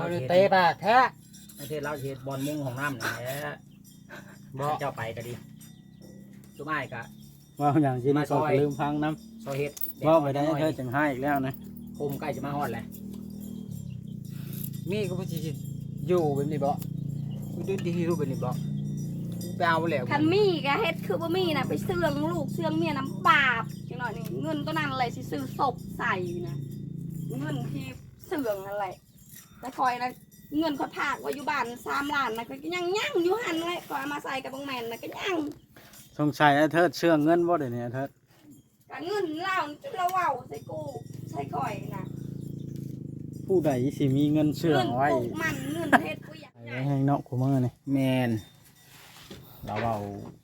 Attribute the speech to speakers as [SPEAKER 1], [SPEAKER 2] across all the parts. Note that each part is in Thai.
[SPEAKER 1] เราเตะปากแท้ประเทศเราเฮ็ดบอลมุงของน้ำนี่แหละบ่เจ้าไปก็ดีจุ่มอ้ายก็
[SPEAKER 2] ว่าอย่างที่นี่ก็ลืมพังน้ำ
[SPEAKER 1] ซอยเฮ็ด
[SPEAKER 2] ว่าไปได้เธอจังให้อีกแล้วนะ
[SPEAKER 1] โคมใกล้จะมาฮอดแล้วมีก็บ่สิอยู่แบบนี้บ่ดูดีรูปแบบนี้บ่ไปเอาแล้ว
[SPEAKER 3] คันมีก็เฮ็ดคือบ่มีน่ะไปเสื่องลูกเสื่องเมียน้ำบาปจังหน่อยนี่เงินตัวนั้นอะไรสิซื้อศพใส่นะเงินที่เสื่องอะไรแต่คอยนะเงินเขาถากไว้อยู่บ้าน3 ล้านนะก็ยังอยู่หันเลยก็เอามาใส่กับบงแมนนะก็ยัง
[SPEAKER 2] สงสัยเธอเชื่อเงินบ่เดี๋ยวนี้เธอ
[SPEAKER 3] ก็เงินเล่าจุดละเว้าใส่กูใส่คอยนะ
[SPEAKER 2] ผู้ใดสิมีเงินเชื่อ
[SPEAKER 3] เงิน
[SPEAKER 2] ไว้
[SPEAKER 3] ปลูกมันเงินเฮ็ดกูอยากใหญ่
[SPEAKER 2] แห้งเนาะกูมือนี่
[SPEAKER 1] แมนเราเอา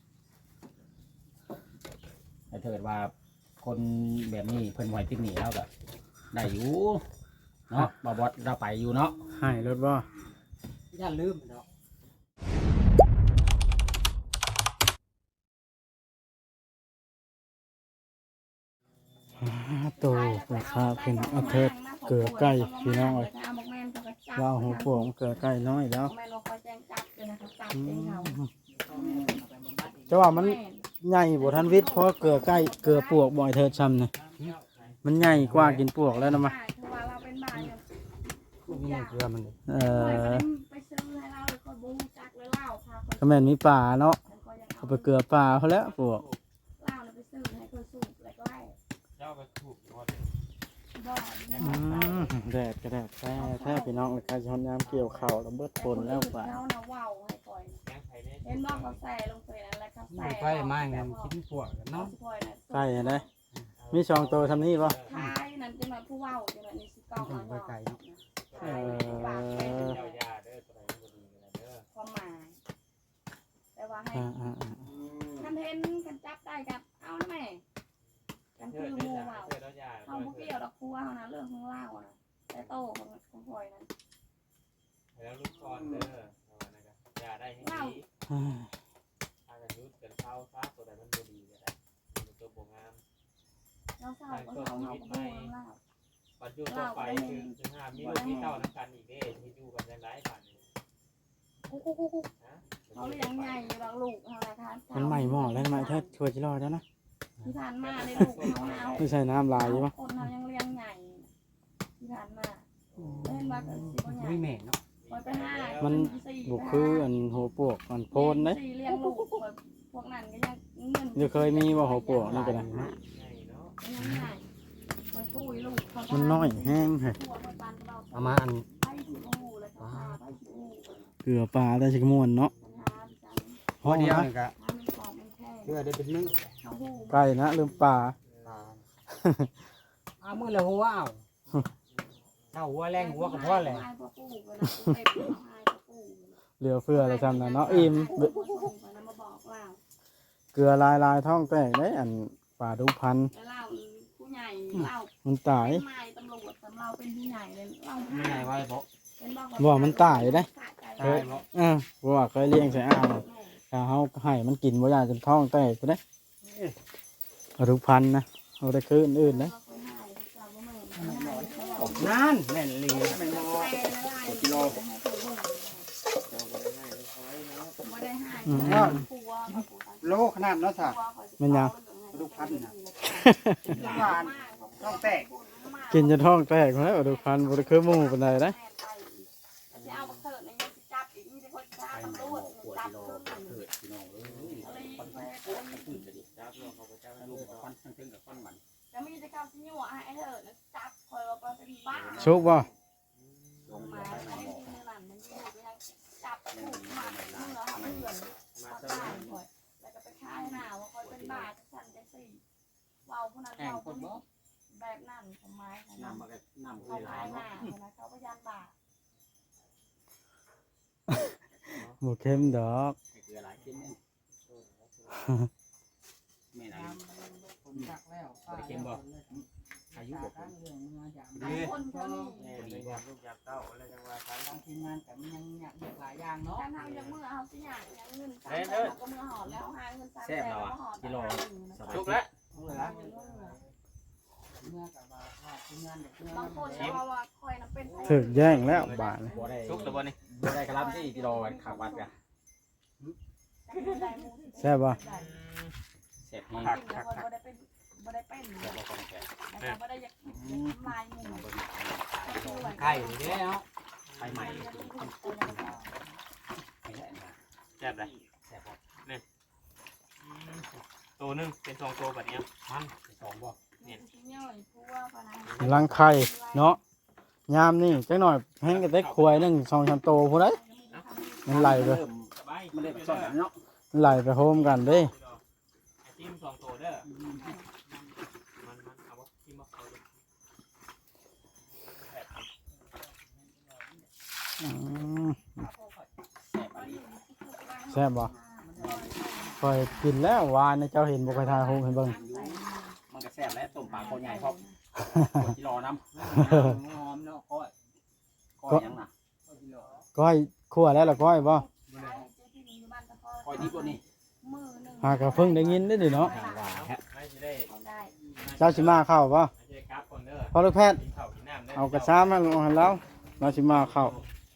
[SPEAKER 1] ถ้าเกิดว่าคนแบบนี้เพิ่นไหวติดหนีแล้วก็ได้อยู่เนาะบ่บอสเราไปอยู่เนาะ
[SPEAKER 2] ให้รถบ่
[SPEAKER 1] อย่าลืมเนาะ
[SPEAKER 2] โตราคาเป็นเอาเธอเกลือใกล้พี่น้องเลยว่าหัวโป่งเกลือใกล้น้อยแล้ว
[SPEAKER 3] แม่นว่าคอยแจ้งจับเลยนะคะจับเองเขา
[SPEAKER 2] แต่ว่ามันใหญ่บ่ทันวิทย์เพราะเกลือใกล้เกลือปวกบ่อยเธอช้ำนะมันใหญ่กว่ากินปวกแล้วนะมา
[SPEAKER 3] คือว่าเราเป็นบ้านกัน
[SPEAKER 1] นี่เกลือมัน
[SPEAKER 3] ไปซื้อให้เราเลยคอยบูจักเลยเล่าค่ะ
[SPEAKER 2] ก็แม่นมีป่าเนาะเอาไปเกลือป่าเขาแล้วปวก
[SPEAKER 3] เล่าเลยไปซื้อให้คอยสูบแล้วก็ไล่
[SPEAKER 4] เจ้าก็ถูกหมด
[SPEAKER 3] บ่
[SPEAKER 2] แดดก็แดดแท้พี่น้องเลยการช้อนยามเกี่ยวเข่าแล้วเบิดฝนแล้วป่า
[SPEAKER 3] เขาน่ะเว้าให้คอย
[SPEAKER 4] แกงไข่เนี่ย
[SPEAKER 3] เห็นบ่เขาใส่ลงไปนั่นแหละเขาใส่
[SPEAKER 1] ไปมาเงินกินพวกเนาะ
[SPEAKER 2] ใกล้นะมีช่องโตทำนี่ป่ะ
[SPEAKER 3] ท้ายนั่นจังหวัดผู้เว้าจังหวัดนี้สิเก้ามาเนาะ
[SPEAKER 4] เจ้ายาเด้อตัวไหนมันดีกันเด้อ
[SPEAKER 3] ความหมายแต่ว่าให้ คันเห็นกันจับได้กับเอานะแม่กัน
[SPEAKER 4] เชื่
[SPEAKER 3] คือ อหมู
[SPEAKER 4] ยา
[SPEAKER 3] เมา
[SPEAKER 4] เชื่อแล้วยา
[SPEAKER 3] เขาพวกเกี่ยวดอกครัวเขานะเรื่องของเล่านะแต่โตของคอยนั้น
[SPEAKER 4] แล้วลูกคอนเด้อนะครับยาได้ให้ดีถ้ากันยุดกันเท้าฟ้าตัวไหนมันดีกันได้มันตัวบงงาม
[SPEAKER 3] เราเศร้าก็เศร้าเขาก็พูดเล่า
[SPEAKER 4] ปัจจุบันไปคือห้ามีลูกมีเต้านักการอีกเด้ที่อยู่กันยังไงผ่านนะ
[SPEAKER 3] เขาเลี้ยงใหญ่อยู่แล้วลูกเขาละคะ
[SPEAKER 2] มันใหม่หม้อแล้วทำไมเธอช่วยจิรอดแล้วนะ
[SPEAKER 3] ที่ผ่านมาในลูกเขาเอา
[SPEAKER 2] ไม่ใช่น้ำลายใช่ปะ
[SPEAKER 3] คนเรายังเลี้ยงใหญ่ที่ผ่านมาเล่นมากันสิบใหญ่
[SPEAKER 1] ไม่แม่เนาะ
[SPEAKER 3] คอยไปห้า
[SPEAKER 2] มันบุกคืออันหัวปวกมันโพนเลย
[SPEAKER 3] เลี้ยงลูกพวกนั้นก็ยังเงิน
[SPEAKER 2] เดี๋ยวเคยมีว่าหัวปวกนี่ก็ได้
[SPEAKER 4] ใหญ่เนาะ
[SPEAKER 3] ยังใหญ่มันกู้ลูกเขา
[SPEAKER 2] มันน้อยแห้งเหรอ
[SPEAKER 1] เอามาอัน
[SPEAKER 3] ไปสิโอ้เลยค่ะไปสิโอ้
[SPEAKER 2] เกลือปลาได้ชิกมวนเนาะ
[SPEAKER 3] ปัญหาจัง
[SPEAKER 1] พอเดียวนี่ก็
[SPEAKER 3] ถ้ามันของมันแค่
[SPEAKER 1] เกลือได้เป็นนึง
[SPEAKER 3] เขาหู
[SPEAKER 2] ไก่นะลืมปลา
[SPEAKER 1] เอามือละหัวเอาถ้าหัวแรงหัวก็พอแหละ
[SPEAKER 2] เหลือเฟืออะไรจำนะเนาะอิ่มเกลือลายท้องแตกได้อันปลาดุพัน
[SPEAKER 3] เล่าผู้ใหญ่เล่า
[SPEAKER 2] มันตาย
[SPEAKER 3] เป็นไม้ตำรวจสำเราเป็นผู้ใหญ่เลยเล่า
[SPEAKER 1] ไม่ไงไว้บ่
[SPEAKER 2] บ่มันตายได้
[SPEAKER 1] ตายบ่
[SPEAKER 2] เพราะว่าเคยเลี้ยงใส่อ่างถ้าเขาให้มันกินบ่อยากจนท้องแตกไปได้ปลาดุพันนะเอาได้คืนอื่นนะ
[SPEAKER 1] นั่นแม่นลีแม่นบ่กิโล โลขนาดเนาะสะ
[SPEAKER 2] มันยัง
[SPEAKER 1] ลูกพันน่ะหวานต้องแตก
[SPEAKER 2] กินจนท้องแตกแล้วปลาดุพันบ่ได้คือหมูปานใดนะ
[SPEAKER 3] เอาบักเถิดในยังจับอีกนี่เป็นคนจับตำรวจจับ
[SPEAKER 1] เกิดพี่น้องเอ้ย
[SPEAKER 4] จ้าเพื่อเขาไปจ้าลูก
[SPEAKER 1] ควันทั้งกับควันมัน
[SPEAKER 3] จะมีกิจกรรมที่นี่ว่าไอ้เถิดจับคอยว่าเป็นบ้า
[SPEAKER 2] ชุกบ่
[SPEAKER 3] ลงมาไอ้ที่นั่นมันยังจับถูกมาเมื่อเพื่อน
[SPEAKER 4] มา
[SPEAKER 3] มา
[SPEAKER 4] เจ้า
[SPEAKER 3] ตายคอยแล้วก็ไปฆ่าหน้าว่าคอยเป็นบ้าสั่นใจสี่เว้าผู้นั้นเว้าผู้นี้แบบนั้นทำไม
[SPEAKER 1] น้ำมาก็น้ำ
[SPEAKER 3] เขา
[SPEAKER 1] หลา
[SPEAKER 3] ขาย
[SPEAKER 1] ย
[SPEAKER 3] หน้า
[SPEAKER 1] เนาะ
[SPEAKER 3] นะเขาพยานบา
[SPEAKER 2] บ่เข้มดอก
[SPEAKER 1] เกลือหลายขึ้นแม่ไหน
[SPEAKER 5] ผมจักแล้ว
[SPEAKER 1] บ่ได้เค็มบ่อายุบ่
[SPEAKER 5] ตั้งเรื่องมาจาก
[SPEAKER 3] คนเขานี่
[SPEAKER 4] แม่ดีกว่าลูกยาเต้าอะไรจังว่าทาง
[SPEAKER 5] ทางทีมงานแต่มันยังหลายอย่างเนาะ
[SPEAKER 3] การทำยังเมื่อเอาสิอย่างยังเงินสามแสนก็เมื่อหอดแล้วหาเงินสามแสนแล้วหอด
[SPEAKER 4] ทุกแล้ว
[SPEAKER 5] เอาเลยละ
[SPEAKER 1] ม
[SPEAKER 5] เมื่อกับว่าทีมงานเด็กเมื่อบ
[SPEAKER 3] างคนก็ว่าคอยน่ะเป็นไผ
[SPEAKER 2] ถึกแย่งแล้วบาดนี่
[SPEAKER 1] บ่ได้
[SPEAKER 4] ชุกตัวบ่นี่
[SPEAKER 1] บ่ได้กระลำที่กิโลขาวัดกะ
[SPEAKER 3] ได้หมู่
[SPEAKER 2] แซ่บบ่
[SPEAKER 1] เสร็จ
[SPEAKER 3] กิน
[SPEAKER 1] คัก
[SPEAKER 3] แล้ว
[SPEAKER 1] คัก
[SPEAKER 3] คน
[SPEAKER 1] คัก
[SPEAKER 3] บ่ได้เป็นแล้วก็บ่ได้อยากกินลายหมู่
[SPEAKER 1] ไข่นี่เนาะไข่ใหม่
[SPEAKER 4] แซ่บเลย
[SPEAKER 1] แซ่บบ่
[SPEAKER 4] ตัวหนึงเป็นสองตัวแบบเนี้ย
[SPEAKER 1] มันสองบ่
[SPEAKER 2] กำลังไข่เนาะยามนี่จักหน่อยแห้งกระเต็กควายนึง2-3โตพุ่นเด้มันไหลไป
[SPEAKER 4] สบาย
[SPEAKER 1] มันได้สอนเนาะ
[SPEAKER 2] มันไหลไปโฮมกันเด้
[SPEAKER 4] ไอ้จิ้มสองตัวเด้อมันเอาบ่จิ้มบ่เอาดิ
[SPEAKER 2] อืม
[SPEAKER 1] แซ่บอันนี้
[SPEAKER 2] แซ่บบ่ค่อยกินแล้ววานนี่เจ้าเห็นบ่ค่อยทายโฮมให้เบิ่ง
[SPEAKER 1] มันก็แซ่บแล้วต้มปลาโคใหญ่พร้อมกิโลน้ำหอมเนาะก้อยยังน่ะ
[SPEAKER 2] ก้อยคั่วแล้วล่ะก้อยบ่
[SPEAKER 1] ก้อยดิบบ่นี่
[SPEAKER 2] หากะเพิ่งได้ยินได้ดิเนาะ
[SPEAKER 1] ว่าฮะ
[SPEAKER 4] ไม่สิได้
[SPEAKER 2] เจ้าสิมาเข้าบ่
[SPEAKER 4] ไม่ใช่กราฟคนเด้อ
[SPEAKER 2] พอลูกแพทย์
[SPEAKER 4] กินข้าวกินน้ำเด้อ
[SPEAKER 2] เอากระซ้ามาลงให้เราเราสิมาเข้า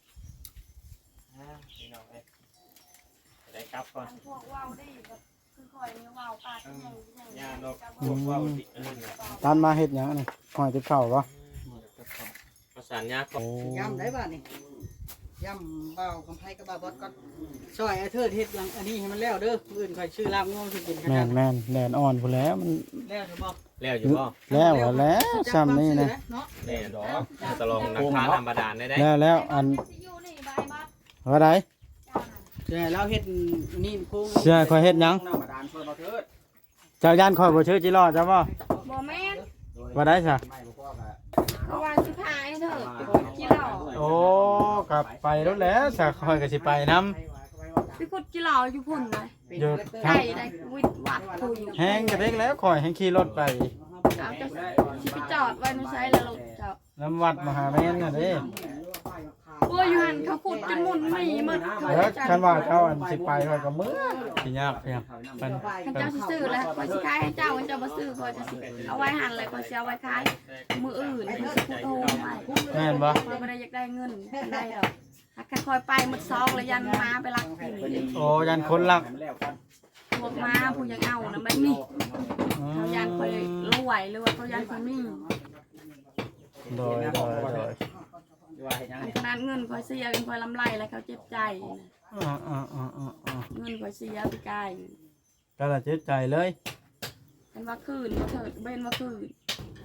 [SPEAKER 4] พี่น้องเอ้ยได้กราฟก่อน
[SPEAKER 3] พวกว่าวได้แบบคือคอยนี่ว่าวปากยัง
[SPEAKER 4] ย่างนกพวกว่าวติเนี่ย
[SPEAKER 2] ตานมาเฮ็ดหยังอันนี้หอยติดข้าวบ่
[SPEAKER 4] ประสานยากก่อน
[SPEAKER 5] ย่ำได้บ้านี่ย่ำเบาคำไพ่กับเบาบอสก็ช่วยไอ้เธอเฮ็ดอย่างอันนี้ให้มันแล้วเด้ออื่นคอยชื่อลาบงงสิกินกัน
[SPEAKER 2] แม่นแม่นแดดอ่อนพุ่นแล้วมัน
[SPEAKER 5] แล้วถูกบ่
[SPEAKER 4] แล้วอยู่บ่
[SPEAKER 2] แล้วอะแล้วซ้ำนี่นะ
[SPEAKER 5] เนาะ
[SPEAKER 4] แน่ดอกตะลองนักทานธรรมดาได้ได้
[SPEAKER 2] แล้วอัน
[SPEAKER 3] อยู่นี่บายบัด
[SPEAKER 2] ว่าได
[SPEAKER 5] แต่เราเฮ็ดนี่โค้ง
[SPEAKER 2] เสื้อข่อยเฮ็ดหยัง
[SPEAKER 1] น้ำบาดาลช่วยบ่เถิด
[SPEAKER 2] เจ้าย่านข่อยบ่ชื่อจิรอดจ้ะบ่
[SPEAKER 3] บ่แม่น
[SPEAKER 2] ว่าได้ซะ
[SPEAKER 1] ไม่บ่พอก็
[SPEAKER 3] เพราะว่าสิพายเถอะกิเหล้า
[SPEAKER 2] โอ้กลับไปแล้วแหล้วซะข่อยก็สิไปนํ
[SPEAKER 3] ไปขุดกิเหล้าอยู่พุ่นเลย
[SPEAKER 2] อยู่
[SPEAKER 3] ไก่ได้วิดวัดผู้อยู่
[SPEAKER 2] แฮงกระเด็กแล้วข่อยแฮงขี่รถไป
[SPEAKER 3] เอาจะสิไปจอดไว้ในไซแล้วลูกเจ้า
[SPEAKER 2] น้ำวัดมหาแม่นน่ะเด้
[SPEAKER 3] โอ้ยอยู่หันเขาขุดจนหมุนมีหมดเขา
[SPEAKER 2] แล้ว
[SPEAKER 3] จะ
[SPEAKER 2] คันว่าเจ้าอันสิไปข่อยก็มื้อสิยากเพียงเป็น
[SPEAKER 3] คันเจ้าสิซื้อแล้วคอยสิขายให้เจ้าคันเจ้าบ่ซื้อคอยจะสิเอาไว้หันเลยคอยสิเอาไว้ขายมืออื่นสิขุดโฮมไว้
[SPEAKER 2] แม่นบ่
[SPEAKER 3] คอยบ่ได้อยากได้เงินได้ดอกถ้าคอยไปหมดซองแล้วยันมาไปรักกิน
[SPEAKER 2] โอ้ยันคนรัก
[SPEAKER 1] แล้วกัน
[SPEAKER 3] พวกมาผู้ยังเอานะแบบนี้เขายันคอยรวยหรือว่าเขายันคนนี้
[SPEAKER 2] โดย
[SPEAKER 1] ว่าเฮ็ดยัง
[SPEAKER 3] ขนาดเงินคอยเสียคอยลำไรแล้วเขาเจ็บใจนะ เงินคอยเสียไปไกล
[SPEAKER 2] ก็ละเจ็บใจเลย
[SPEAKER 3] เป็นว่าคืนมาเถิดเป็นว่าคืน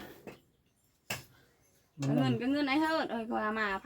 [SPEAKER 3] เงินก็เงินไอ้เถิดเอ้ยคอยเอามา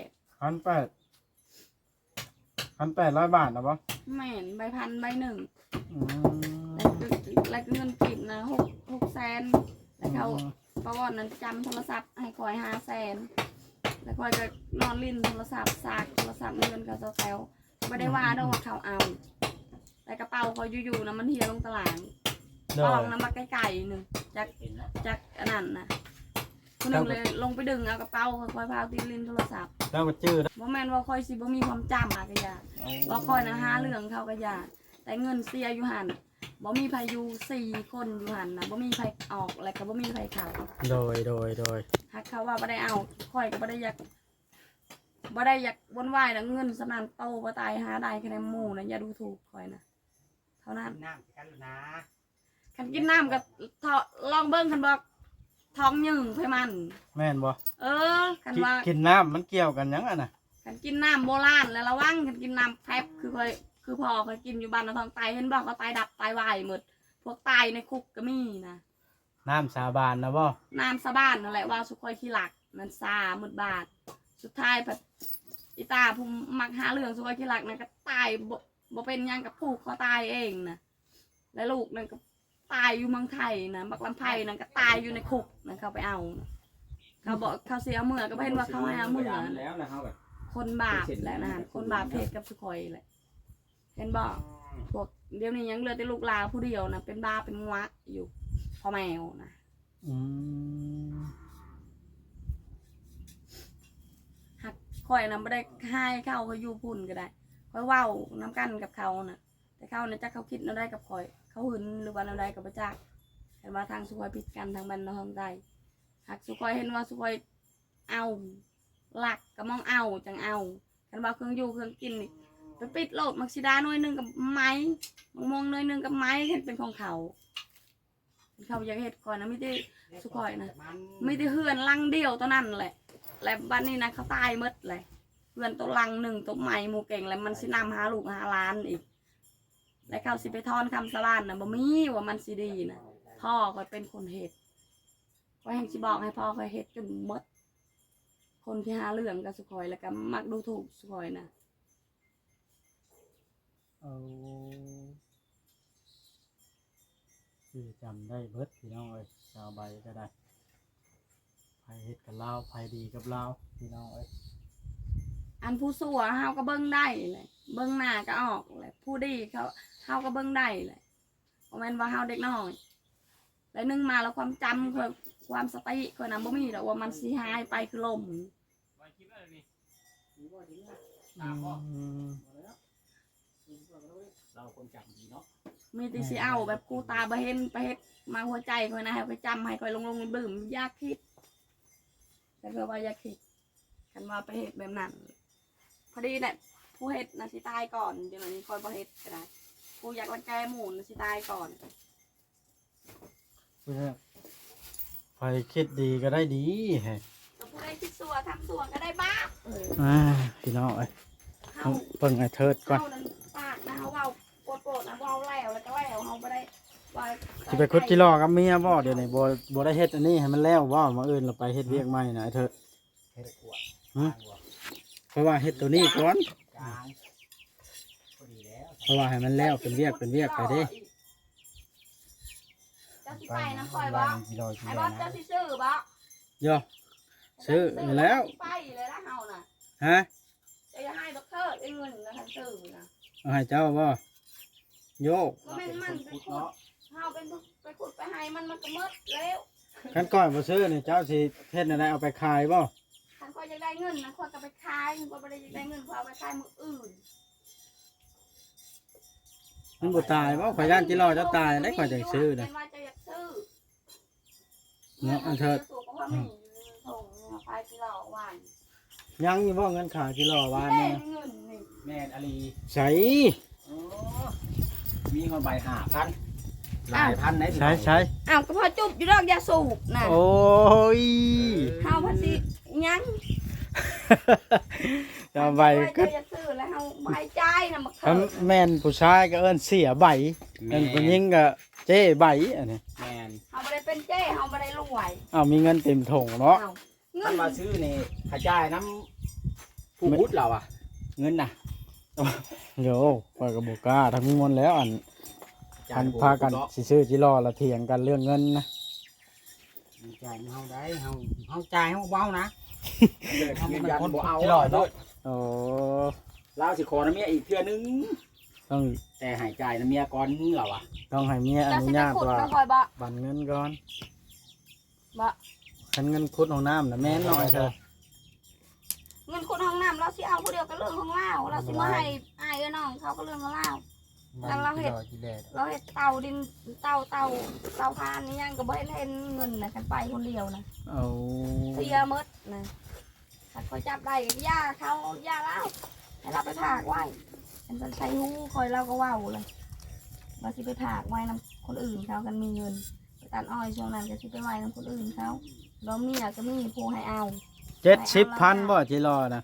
[SPEAKER 2] 1,800 บาทนะบ่
[SPEAKER 3] แม่นใบพันใบหนึ่ง
[SPEAKER 2] อืม
[SPEAKER 3] แล้วเงินกินนะ6 แสนแล้วเขาประวัตินั้นจำโทรศัพท์ให้คอย5 แสนแล้วคอยก็นอนลิ้นโทรศัพท์ซากโทรศัพท์เงินเขาแซวไม่ได้ว่าด้วยว่าเขาเอาแต่กระเป๋าเขาอยู่ๆนะมันเฮียลงตลาด
[SPEAKER 2] โด
[SPEAKER 3] ปอย งน้ำมาไกลๆหนึ่งจากอันนั้นนะคนหนึ่งเลยลงไปดึงเอากระเป๋าคอยพาตีลินโทรศัพท์
[SPEAKER 2] แล้วก็จื้อ
[SPEAKER 3] ว่าแม่นว่าคอยสิบ่มีความจำอะกะยาว่าคอยนะหาเรื่องเขากะยาแต่เงินเสียอยู่หันบ่มีพายุ4 คนอยู่หันนะบ่มีไผออกแล้วก็บ่มีไผเข้า
[SPEAKER 2] โดย
[SPEAKER 3] หากเขาว่าบ่ได้เอาคอยก็บ่ได้อยากวนวายนะเงินสำนันโตบ่ตายหาได้คะแนนหมู่นะอย่าดูถูกคอยนะเท่านั้น
[SPEAKER 5] น้ำกันนะ
[SPEAKER 3] คันกินน้ำก็ลองเบิ่งคันบอกท้องยึงให้มัน
[SPEAKER 2] แม่นบ่
[SPEAKER 3] คันว่า
[SPEAKER 2] กินน้ำมันเกี่ยวกันหยังอ่ะน่ะ
[SPEAKER 3] คันกินน้ำโบราณแล้วระวังคันกินน้ำแพบคือพ่อเคยกินอยู่บ้านเราท้องไตเห็นบอกเขาไตดับไตวายหมดพวกตายในคุกก็มีนะ
[SPEAKER 2] น้ำสาบานนะบ่
[SPEAKER 3] น้ำสะบ้านนั่นแหละว่าสุคอยขี้หลักมันซาหมดบาทสุดท้ายแบบอีตาผู้มักหาเรื่องสุคอยขี้หลักนั่นก็ตายบ่เป็นหยังกับผูกคอตายเองนะและลูกนั่นก็ตายอยู่เมืองไทยนะบักลำไผ่นั่นก็ตายอยู่ในคุกนะเขาไปเอานะเขาบอกเขาเสียเมื่อก็เห็นว่าเขาให้เอาเมื่อ
[SPEAKER 1] แล้วนะเฮาก็
[SPEAKER 3] คนบาปแหละนะคนบาปเพศกับสุคอยแหละเห็นบอกพวกเดี๋ยวนี้ยังเหลือแต่ลูกลาผู้เดียวนะเป็นบ้าเป็นงวะอยู่พ่อแมวนะ
[SPEAKER 2] อืม
[SPEAKER 3] หักข่อยนะไม่ได้ให้เข้าเขาอยู่พุ่นก็ได้ข่อยเว้าน้ำกันกับเขานะแต่เขาเนี่ยจักเขาคิดเราได้กับข่อยเขาหึนหรือว่าเราได้กับพระจักเห็นว่าทางสุคอยผิดกันทางบรรณาทางใดหากสุคอยเห็นว่าสุคอยเอาหลักก็มองเอาจังเอาคันว่าเครื่องอยู่เครื่องกินนี่ไปปิดโลดมักซิดาหน่วยหนึงกับไม้มงหน่วยหนึงกับไม้เห็นเป็นของเขาอยากเฮ็ดก่อนนะไม่ได้สุคอยนะไม่ได้เฮือนลังเดียวตัวนั้นแหละและบ้านนี้นะเขาตายหมดเลยเฮือนตัวลังหนึ่งตัวไม้หมู่เก่งแล้วมันสินำหาลูกหาหลานอีกและเขาสิไปทอนคำสลานนะบ่มีว่ามันสิดีนะพ่อก็เป็นคนเฮ็ดก็แห่งสิบอกให้พ่อคอยเฮ็ดจนหมดคนที่หาเรื่องกับสุคอยแล้วก็มักดูถูกสุคอยนะ
[SPEAKER 2] เอาคือจำได้เบิดพี่น้องเอ้ยชาวใบก็ได้ไผเฮ็ดกับลาวไผดีกับลาวพี่น้องเอ้ย
[SPEAKER 3] อันผู้สัวเฮาก็เบิ่งได้เลยเบิ่งหน้าก็ออกเลยผู้ดีเขาเฮาก็เบิ่งได้เลยบ่แม่นว่าเฮาเด็กน้อยแล้วนึงมาแล้วความจำความสติคนนั้นบ่มีดอกว่ามันสิหายไปคือลม
[SPEAKER 4] ไว้คิดว่านี่
[SPEAKER 1] เราคนจำดีเนาะ
[SPEAKER 3] มีแต่สิเอาแบบกูตาบ่เห็นไปเฮ็ดมาหัวใจคนนะให้ไปจำให้คอยลงดื่มอยากคิดแต่ก็ว่าอยากคิดกันว่าไปเฮ็ดแบบนั้นพอดีแหละผู้เฮ็ดน่ะสิตายก่อนเดี๋ยวนี้คอยบ่เฮ็ดก็ได้กูอยากรังแกหมู่น่ะสิตายก่อน
[SPEAKER 2] เพื่อไผคิดดีก็ได้ดีแฮะ
[SPEAKER 3] ก็ผู้ใดคิดสัวทำสัวก็ได้บ้า
[SPEAKER 2] พี่น้องเอ้ย
[SPEAKER 3] เฮา
[SPEAKER 2] เบิ่งไอ้เทิดก่อน
[SPEAKER 3] เฮานั้นปากนะเฮาเว้าโกรธนะเว้าแล้วก็แล้วเฮาบ่ได้ว่า
[SPEAKER 2] สิไปคุดกิโลกับเมียบ่เดี๋ยวนี้บ่ได้เฮ็ดอันนี้ให้มันแล้วบ่มาอื่นเราไปเฮ็ดเวียกใหม่นะไอ้เทิด
[SPEAKER 1] เฮ็ดขวด
[SPEAKER 2] เพราะว่าเฮ็ดตัวนี้ก่อน
[SPEAKER 1] จางพอดีแล้ว
[SPEAKER 2] เพราะว่าให้มันแล้วเป็นเวียกไปเด้
[SPEAKER 3] เจ้าสิไปน้ำคอยบ่ไอ้บ่เจ้าสิซื้อบ่
[SPEAKER 2] ย่อซื้ออยู่แล้ว
[SPEAKER 3] ไปเลยนะเฮาน่ะ
[SPEAKER 2] ฮะ
[SPEAKER 3] จะอย่าให้บักเทิดไอ้เงินนะคันซื้อนะ
[SPEAKER 2] เอาให้เจ้าบ่โยก
[SPEAKER 3] บ่แม่นมันไปขุดเฮาเป็นไปขุดไปให้มันก็หมดแล้ว
[SPEAKER 2] คันก่อนบ่ซื้อนี่เจ้าสิเฮ็ดอะไรเอาไปขายบ่
[SPEAKER 3] คันคอยอยากได้เงินนะคอยก็ไปขายคอยบ่ได้อยากได้เงินคอยเอาไปขายมื้ออื่น
[SPEAKER 2] มันบ่ตายบ่ข่อยย่านจิรอเจ้าตายได้ข่อยจังซื้อน่ะ
[SPEAKER 3] เป็นว่าจะอยากซื้อ
[SPEAKER 2] เนาะอันเถิด
[SPEAKER 3] สูบก็ว่ามีส่งไปที่เราหวาน
[SPEAKER 2] ยังอยู่บ่เงินขาจิรอวาน
[SPEAKER 3] ได้
[SPEAKER 2] นี่
[SPEAKER 3] เงินนี่
[SPEAKER 1] แม่นอลี
[SPEAKER 2] ใส่
[SPEAKER 1] มีคนใบ5,000หลายพันไหน
[SPEAKER 2] ใช้
[SPEAKER 3] อ้าวก็พอจุบอยู่ดอกยาสูบน่ะ
[SPEAKER 2] โอ้ย
[SPEAKER 3] เฮาพันสิยัง
[SPEAKER 2] เจ้าใบก็
[SPEAKER 3] จะอยากซื้อแล้วเฮาใบใจน่ะบัก
[SPEAKER 2] คั
[SPEAKER 3] เถิ
[SPEAKER 2] น
[SPEAKER 3] ด
[SPEAKER 2] แม่นผู้ชายก็เอิ้นเสียใบเอิ้นผู้หญิงก็เจ้ใบอันนี้
[SPEAKER 1] แม่น
[SPEAKER 3] เฮาบ่ได้เป็นเจ้เฮาบ่ได้รวย
[SPEAKER 2] อ้าวมีเงินเต็มถุงเนาะ
[SPEAKER 3] อ้าวเงิ
[SPEAKER 1] ท่าน นมาซื้อนี่ขจายน้ำผู้พุทธเราอ่ะ เงินน่ะ
[SPEAKER 2] โยข่อยก็บ่กล้าทั้งมวลแล้วอันพากันสิซื้อจิรอละเถียงกันเรื่องเงินนะ
[SPEAKER 5] จ่ายเฮาได้เฮาจ่ายเฮาเว้านะ
[SPEAKER 1] ยืนยันบ่เอา
[SPEAKER 5] ที่รอเนาะ
[SPEAKER 2] โอ้
[SPEAKER 1] เราสิขอน้ำเมียอีกเทื่อนึง
[SPEAKER 2] ต้อง
[SPEAKER 1] แต่ใหายใจน้ำเมียก่อนเราอ่ะ
[SPEAKER 2] ต้องให้เมียอ
[SPEAKER 3] จะ
[SPEAKER 2] นุ
[SPEAKER 3] สิไป
[SPEAKER 2] ญาต
[SPEAKER 3] ขุด
[SPEAKER 2] ว่า
[SPEAKER 3] น้ำคอยบ่
[SPEAKER 2] บันเงินก่อน
[SPEAKER 3] บ่
[SPEAKER 2] คันเงินคุดของน้ำน่ะแม่นน้อยเถอะ
[SPEAKER 3] เงินขุดห้องน้ำเราสิเอาผู้เดียวก็เรื่องของเราเราสิมาให้อ้ายน้องเขาก็เรื่องของเรา แล้วเราเฮ็ด เราเฮ็ดเตาดินเตาพานนี่ยังก็บ่ได้เล่นเงินนะกันไปคนเดียวนะ
[SPEAKER 2] เอา
[SPEAKER 3] เสียหมดนะถ้าคอยจับได้ก็ย่าเขาย่าเล่าให้เราไปถากไว้เป็นใช้หูคอยเราก็เว้าเลยว่าสิไปถากไว้นำคนอื่นเขากันมีเงินไปตัดอ้อยช่วงนั้นก็สิไปไว้นำคนอื่นเขาเราเมียก็มีผู้ให้เอา
[SPEAKER 2] 70,000บ่จิรอนะ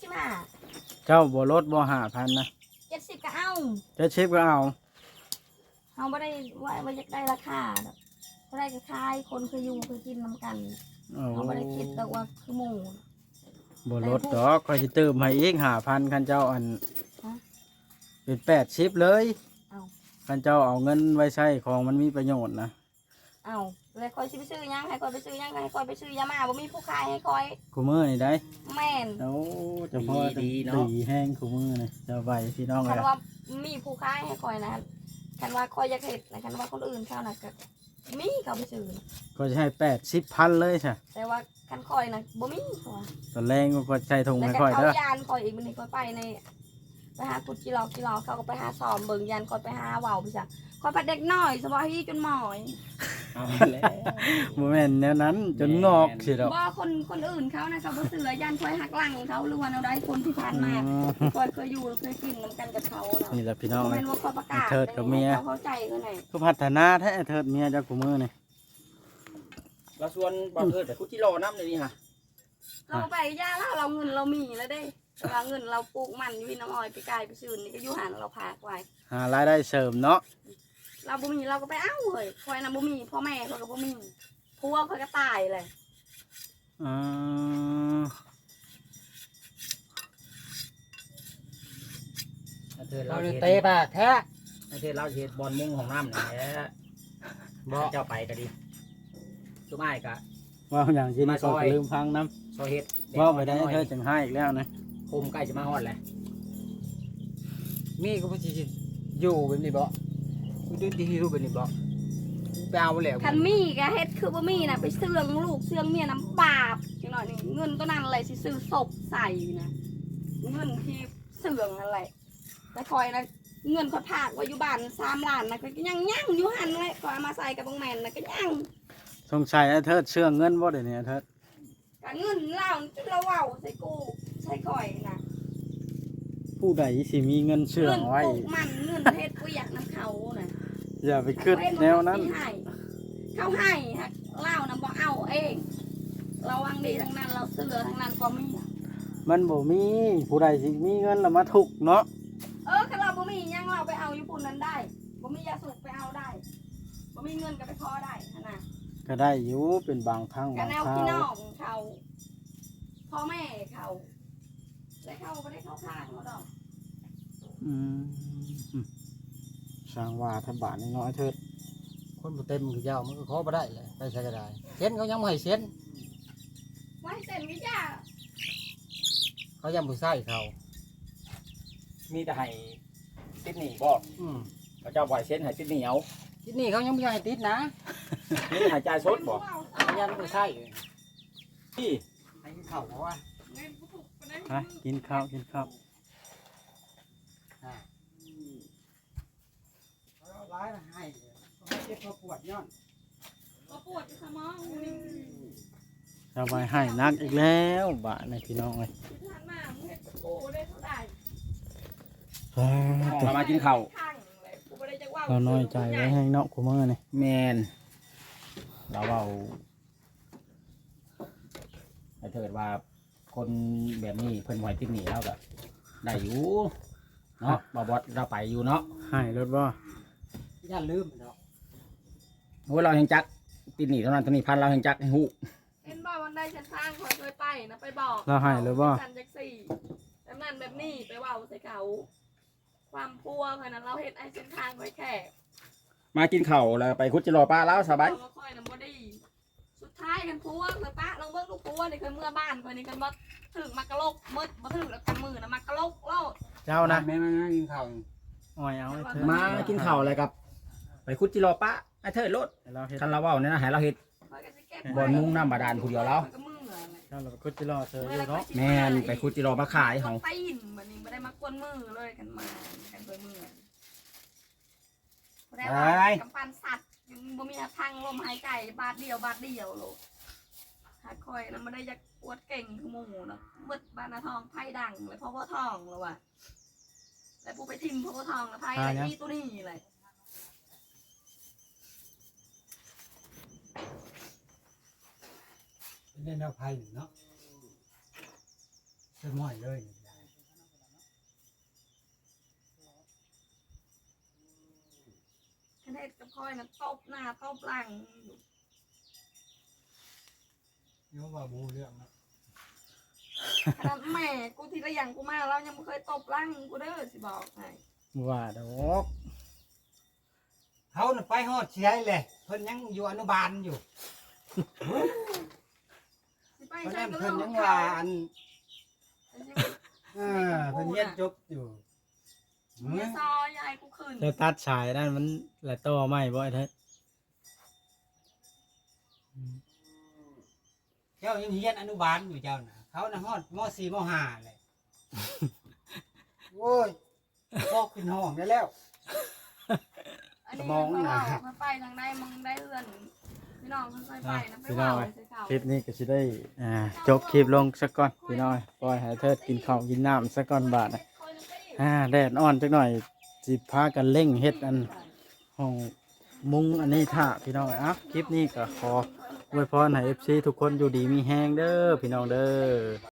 [SPEAKER 3] 75
[SPEAKER 2] เจ้าบ่ลดบ่5,000นะ
[SPEAKER 3] 70ก็เอา
[SPEAKER 2] 70ก็เอา
[SPEAKER 3] เขาไม่ได้ว่าอยากได้ราคาดอกเขาได้ก็ขายคนคืออยู่คือกินน้ำกัน
[SPEAKER 2] โอ้
[SPEAKER 3] เขาไม่ได้คิดดอกว่าคือหมู
[SPEAKER 2] บ่ลดดอกข่อยสิเติมให้อีก5,000คันเจ้าอัน
[SPEAKER 3] ฮะ
[SPEAKER 2] เป็น80เลย
[SPEAKER 3] เอา
[SPEAKER 2] คันเจ้าเอาเงินไว้ใช้ของมันมีประโยชน์นะ
[SPEAKER 3] เอาเลยคอยสิไปซื้อยังให้คอยไปซื้อยังให้คอยไปซื้อยามาบ่มีผู้ขายให้คอย
[SPEAKER 2] คู่มือนี่ได้
[SPEAKER 3] แม่น
[SPEAKER 2] โอ้เจะพอดีแห้งคู่มือนี่เจะใบพี่น้องเล
[SPEAKER 3] คั
[SPEAKER 2] ย
[SPEAKER 3] นว่ามีผู้ขายให้คอยนะคันว่าคอยอยากเห็ดนะคันว่าคนอื่นเขานะก็มีเขาไปซื้อนะ
[SPEAKER 2] ก็จะให้80,000เลยใช่
[SPEAKER 3] แต่ว่าคันคอยนะบ่มีเขาว่า
[SPEAKER 2] ตอนแรงก็ใส่ถุง
[SPEAKER 3] แล้ว
[SPEAKER 2] ให้
[SPEAKER 3] ก็
[SPEAKER 2] ค่อย
[SPEAKER 3] เขา
[SPEAKER 2] เด้อย
[SPEAKER 3] านคอยอีกมันนี่คอยไปในไปหากุดกิโลเขาก็ไปหาซ้อมเบิ่งยานคอยไปหาว่าวไปจ้ะคอยไปเด็กน้อยสบายจนหมอย
[SPEAKER 1] เอาแล้ว
[SPEAKER 2] บ่แม่นแนวนั้นจนงอกสิดอก
[SPEAKER 3] บ่คนอื่นเขานะเขาบ่เสือยันคอยหักหลังเขาหรือว่าเราได้คนที่ผ่านมาคอยเคยอยู่เคยกินนำกันกับเขาเนาะ
[SPEAKER 2] นี่แหละพี่น้อง
[SPEAKER 3] บ่
[SPEAKER 2] เอ้
[SPEAKER 3] แม่
[SPEAKER 2] ย
[SPEAKER 3] นว่าเขาประกาศ
[SPEAKER 2] เทิดกับเมีย
[SPEAKER 3] เขาเข้าใจเขาหน่อย
[SPEAKER 2] ก็พัฒนาแท้เถิดเมียเจ้ากูมือนี่
[SPEAKER 1] เราชวนบ่เทิดไปคุดจิโร่น้ำเลยนี่ฮะ
[SPEAKER 3] เราไปย่าแล้วเราเงินเรามีแล้วเด้แต่ว่าเงินเราปลูกมันอยู่ที่น้ำอ้อยไปไกลไปซื้อนี่ก็อยู่หันเราพากไว้
[SPEAKER 2] หารายได้เสริมเนาะ
[SPEAKER 3] เราบ่มีเราก็ไปเอ้าเฮ้ยคอยน่ะบ่มีพ่อแม่เขาก็บ่มีพัวเขาก็ตายเลย
[SPEAKER 2] อ่า
[SPEAKER 1] เทิด
[SPEAKER 5] เรา
[SPEAKER 1] เรา
[SPEAKER 5] เลย
[SPEAKER 1] เฮ็ด
[SPEAKER 5] เตะปากแท้
[SPEAKER 1] เทิดเราเฮ็ดบอลมุงของน้ำนี่แหละบ่เจ้าไปก็ดีสุมายก็
[SPEAKER 2] ว่าอย่างที่นี่ก็ลืมฟังน้
[SPEAKER 1] ซอยเฮ็ด
[SPEAKER 2] ำว่าไปได้เธอจังให้อีกแล้วนะ
[SPEAKER 1] โคมใกล้จะมาฮอดแล้วมีก็บ่สิอยู่แบบนี้บ่ดูดีรูปแบบนี้บ่ไปเอาแล้ว
[SPEAKER 3] คันมีก็เฮ็ดคือบ่มีน่ะไปเสื่องลูกเสื่องเมียน้ำบาปจังหน่อยนี่เงินตัวนั้นอะไรสิซื้อศพใส่นะเงินที่เสื่องอะไรแต่คอยนะเงินเขาถากไว้อยู่บ้าน3 ล้านนะก็ยังอยู่หันเลยก็เอามาใส่กับบางแมนนะก็ยัง
[SPEAKER 2] สงสัยไอ้เธอเชื่องเงินบ่เดี๋ยวนี้เธอ
[SPEAKER 3] ก็เงินเล่าจนเราเว้าใส่กูใส่คอยนะ
[SPEAKER 2] ผู้ใดสิมีเงินเชื่องไว้
[SPEAKER 3] เงินปลูกมันเงินเฮ็ดกูอยากน้ำเขาน่ะ
[SPEAKER 2] อย่าไปคิดแนวนั้น
[SPEAKER 3] เขาให้ฮะเล่านะบ่เอาเองเราวังดีทั้งนั้นเราเสือทั้งนั้นก็มี
[SPEAKER 2] มันบ่มีผู้ใดสิมีเงินแล้วมาทุกข์เนาะ
[SPEAKER 3] ถ้าเราบ่มียังเราไปเอาญี่ปุ่นนั้นได้บ่มียาสูบไปเอาได้บ่มีเงินก็ไปขอได้นะ
[SPEAKER 2] ก็ได้อยู่เป็นบางครั้ง
[SPEAKER 3] กั
[SPEAKER 2] บาน ง
[SPEAKER 3] แนว
[SPEAKER 2] ครา
[SPEAKER 3] พี่
[SPEAKER 2] ว
[SPEAKER 3] น้องเขาพ่อแม่เขาและเขาไม่ได้เข้าข้างเขาดอก
[SPEAKER 2] อืมสร้างว่าทบาทน้อยๆเถิด
[SPEAKER 5] คนบ่เต็มคือยาวมันก็ขอบ่ได้เลยไปใช้ก็ได้เซ็นเขายังบ่ให้เซ็น
[SPEAKER 3] ไว้เส้นวิจา
[SPEAKER 5] เขายังบ่ใส่เขา
[SPEAKER 1] มีแต่ให้ติดหนี้บ่
[SPEAKER 5] อืม
[SPEAKER 1] เขาเจ้าบ่ให้เซ็นให้ติดหนี้เอา
[SPEAKER 5] ที่นี่เขายังบ่ให้ติดนะ
[SPEAKER 1] นี่ให้จ่ายสดบ่
[SPEAKER 5] เขายังบ่ใส่
[SPEAKER 1] พี่
[SPEAKER 5] ให้เขาเพราะว่า
[SPEAKER 2] ฮะกินข้าวกินข้าว
[SPEAKER 5] เขาร้ายให้เขาเจ็บเขาปวดย้อน
[SPEAKER 3] ก็ปวดสมอง
[SPEAKER 2] สบายให้นักอีกแล้วบาทในพี่น้องเลย
[SPEAKER 3] ที่ทานมาเมื่อกูได้เท่าไหร่
[SPEAKER 1] เรามากินข้าว
[SPEAKER 3] ข้างเลยกูไม่ได้จะว่า
[SPEAKER 2] เราน้อยใจไว้ให้เนาะกูมือนี่
[SPEAKER 1] แมนเราเอาถ้าเกิดว่าคนแบบนี้เพิ่นไหวติดหนีแล้วก็ได้อยู่เนาะบอบอสเราไปอยู่เนาะ
[SPEAKER 2] ให้รถบ่
[SPEAKER 5] ย่าลืมเนาะ
[SPEAKER 1] โอ้ยเราแห่งจักติดหนีเท่านั้นเท่านี้พันเราแห่งจักให้หู
[SPEAKER 3] เห็นบ่วันใดฉันสร้างคอยเคยไปนะไปบอก
[SPEAKER 2] เราให้หรือบ่
[SPEAKER 3] ฉันจักสี่แบบนั้นแบบนี้ไปเว่าใส่เขาความพัวขนาดเราเห็นไอ้เส้นทางไว้แค่
[SPEAKER 1] มากินข้าวแล้วไปคุดจิโร่ป้าแล้วสบาย
[SPEAKER 3] เราค่อยน้ำบ่ดีสุดท้ายกันพัวเลยป้าลองเบิ่งลูกพัวนี่เคยเมื่อบ้านคนนี้กันบ่ถึงมากระโลกมืดบ่ถึงแล้วกันมือนะมากระโลกโลด
[SPEAKER 2] เจ้านะ
[SPEAKER 5] แม่มากินข้าว
[SPEAKER 2] อ้อยเอาให้เธอ
[SPEAKER 1] มากินข้าวอะไรกับ ไปคุดจิโร่ป้าไอ้เธอรถ
[SPEAKER 2] ให้เราเฮ็ด
[SPEAKER 1] คันเราเว้าเนี่ยนะให้เราเฮ็ด
[SPEAKER 3] ข้อยก็สิเก็
[SPEAKER 1] บ่อนมุ่งน้ำบาดาลผู้เดียวแล้ว
[SPEAKER 3] ก็มือเลย
[SPEAKER 2] เจ้าเราไปคุดจิรอเธออยู่เนาะ
[SPEAKER 1] แม่นไปคุดจิโร่มาขายเฮา
[SPEAKER 3] ตีนบัดนี้บ่ได้มากวนมือเลยกันมากันด้วยมือบ่ได้ว่ากำปั้นสัตว์ยังบ่มีทางลมหายใจบาทเดียวโลดหาคอยแล้วบ่ได้อยากอวดเก่งคือหมู่เนาะมืดบ้านนาทองไผดังเลยเพราะว่าทองแล้วว่ะแล้วผู้ไปทิ่มเพราะว่าทองแล้วไผอะไรนี่ตัวนี้เลย
[SPEAKER 5] เล่นเอาไพ่เนาะจะม่อยเลย
[SPEAKER 3] คะแนนกับคอยนะตบหน้าตบหลัง
[SPEAKER 5] เนาะว่าบูเรื่องนะ
[SPEAKER 3] ขนาดแม่กูทีละอย่างกูมาแล้วยังไม่เคยตบหลังกูเด้อสิบอกให้
[SPEAKER 2] ว่าดอก
[SPEAKER 5] เขาน่ะไปฮอดเสียเลยเพิ่นยังอยู่อนุบาลอยู่
[SPEAKER 3] สิไป
[SPEAKER 5] เพราะ
[SPEAKER 3] ใช้
[SPEAKER 5] นั้น
[SPEAKER 3] ก็
[SPEAKER 5] เพิ่
[SPEAKER 3] เรื่อน งข
[SPEAKER 5] ยั
[SPEAKER 3] อง ง
[SPEAKER 5] ว่า
[SPEAKER 3] เขา
[SPEAKER 5] อันเพิ่นเรียนจบอยู่
[SPEAKER 3] เมียซอยยายกูขึ้น
[SPEAKER 2] เธอตัดสายนั่นมันละต่อไม่บ่ไอ้เธอ
[SPEAKER 5] เจ้ายังเรียนอนุบาลอยู่เจ้าน่ะเขาน่ะฮอดม .4 ม .5 เลยโอ้ยพอกขึ้นห้องได้แล้ว
[SPEAKER 3] อันนี้
[SPEAKER 5] สมอง
[SPEAKER 3] เขา
[SPEAKER 5] น่ะ
[SPEAKER 3] บอกมาไปทางใดมึงได้เอื้อนพี่น้องค่อยๆไปนะไป
[SPEAKER 2] พี่น้อ
[SPEAKER 3] เว้าง ใส่เขา
[SPEAKER 2] คลิปนี้ก็สิได้จบคลิปลงสักก่อนพี่น้อยปล่อยให้เทิดกินข้าวกินน้ำสักก่อนบาดนะแดดอ่อนจักหน่อยสิพากันเร่งเฮ็ดอันห้องมุงอันนี้ท่าพี่น้องคลิปนี้ก็ขออวยพรให้ FC ทุกคนอยู่ดีมีแฮงเด้อพี่น้องเด้อ